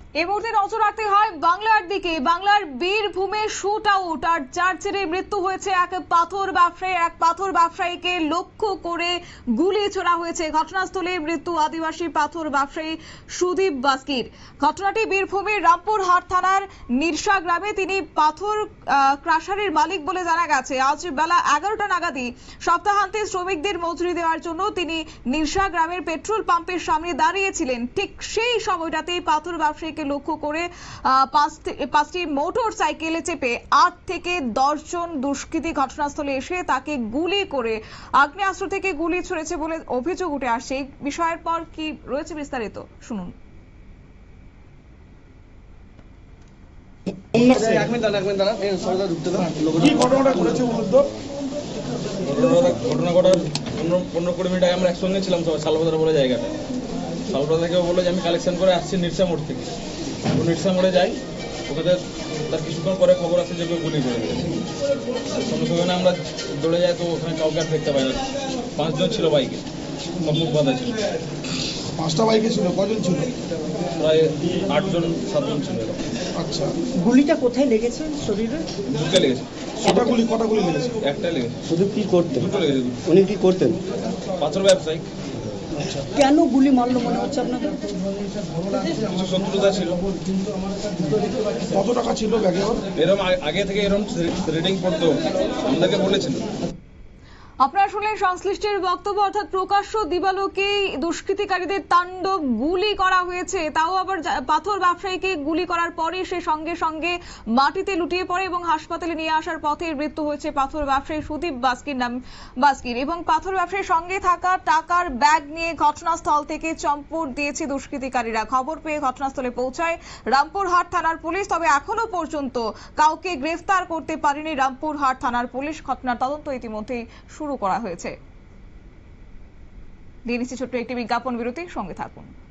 এই মুহূর্তে নজর রাখতে হয় বাংলার দিকে। বাংলার বীরভূমে শুট আউট আর যার জেরে মৃত্যু হয়েছে এক পাথর ব্যবসায়ীকে লক্ষ্য করে গুলি ছোড়া হয়েছে। ঘটনাস্থলে মৃত্যু আদিবাসী পাথর ব্যবসায়ী সুদীপ বাস্কির। ঘটনাটি বীরভূমের রামপুরহাট থানার নিরসা গ্রামে। তিনি পাথর ক্রাশারের মালিক বলে জানা গেছে। আজ বেলা 11টা নাগাদই সপ্তাহান্তে শ্রমিকদের মজুরি দেওয়ার জন্য তিনি নিরসা গ্রামের পেট্রোল পাম্পের সামনে দাঁড়িয়েছিলেন। ঠিক সেই সময়টাতেই পাথর ব্যবসায়ীকে লক্ষ্য করে পাঁচটি মোটর সাইকেলে চেপে 8 থেকে 10 জন দুষ্কৃতী ঘটনাস্থলে এসে তাকে গুলি করে আগ্নেয়াস্ত্র থেকে গুলি ছুড়েছে বলে অভিযোগ উঠে আসছে। এই বিষয়ের পর কি রয়েছে বিস্তারিত শুনুন। ঘটনা ঘটার 15-20 মিনিট আগে আমরা একসঙ্গে ছিলাম সবাই শালবাজার বলে জায়গাটা। শালবাজার থেকে বললো যে আমি কালেকশন করে আসছি নিরসা মোড় থেকে। নিরসা মোড়ে যাই, ওখানে তার কিছুক্ষণ পরে খবর আসছে যে কেউ গুলি করে দিয়েছে। সঙ্গে সঙ্গে আমরা দৌড়ে যাই, তো ওখানে কাউকে আর দেখতে পাই না। 5 জন ছিল বাইকে, মুখ বাঁধা ছিল। 5টা বাইকে ছিল, কজন ছিল? প্রায় 8 জন 7 জন ছিল। আচ্ছা, গুলিটা কোথায় লেগেছে? শরীরে? দুটো লেগেছে। কটা গুলি লেগেছে? একটা লেগেছে। শুধু কি করতেন? দুটো লেগেছে। উনি কি করতেন? পাথর ব্যবসায়ী। কেন গুলি মারলো মনে হচ্ছে আপনাদের? কিছু শত্রুতা ছিল। কত টাকা ছিল ব্যাগে ওর? এরকম আগে থেকে এরকম রিডিং পড়তো, আমাদেরকে বলেছিল। আপনারা শুনলেন সংশ্লিষ্টের বক্তব্য। অর্থাৎ প্রকাশ্য দিবালোকে দুষ্কৃতিকারীদের তাণ্ডব, গুলি করা হয়েছে, তাও আবার পাথর ব্যবসায়ীকে গুলি করার পরে সে সঙ্গে সঙ্গে মাটিতে লুটিয়ে পড়ে এবং হাসপাতালে নিয়ে আসার পথে মৃত্যু হয়েছে পাথর ব্যবসায়ী সুদীপ বাস্কির। এবং পাথর ব্যবসায়ীর সঙ্গে থাকা টাকার ব্যাগ নিয়ে ঘটনাস্থল থেকে চম্পট দিয়েছে দুষ্কৃতিকারীরা। খবর পেয়ে ঘটনাস্থলে পৌঁছায় রামপুরহাট থানার পুলিশ, তবে এখনো পর্যন্ত কাউকে গ্রেফতার করতে পারেনি রামপুরহাট থানার পুলিশ। ঘটনার তদন্ত ইতিমধ্যেই শুরু করা হয়েছে। দিয়ে নিচ্ছি ছোট্ট একটি বিজ্ঞাপন বিরতি, সঙ্গে থাকুন।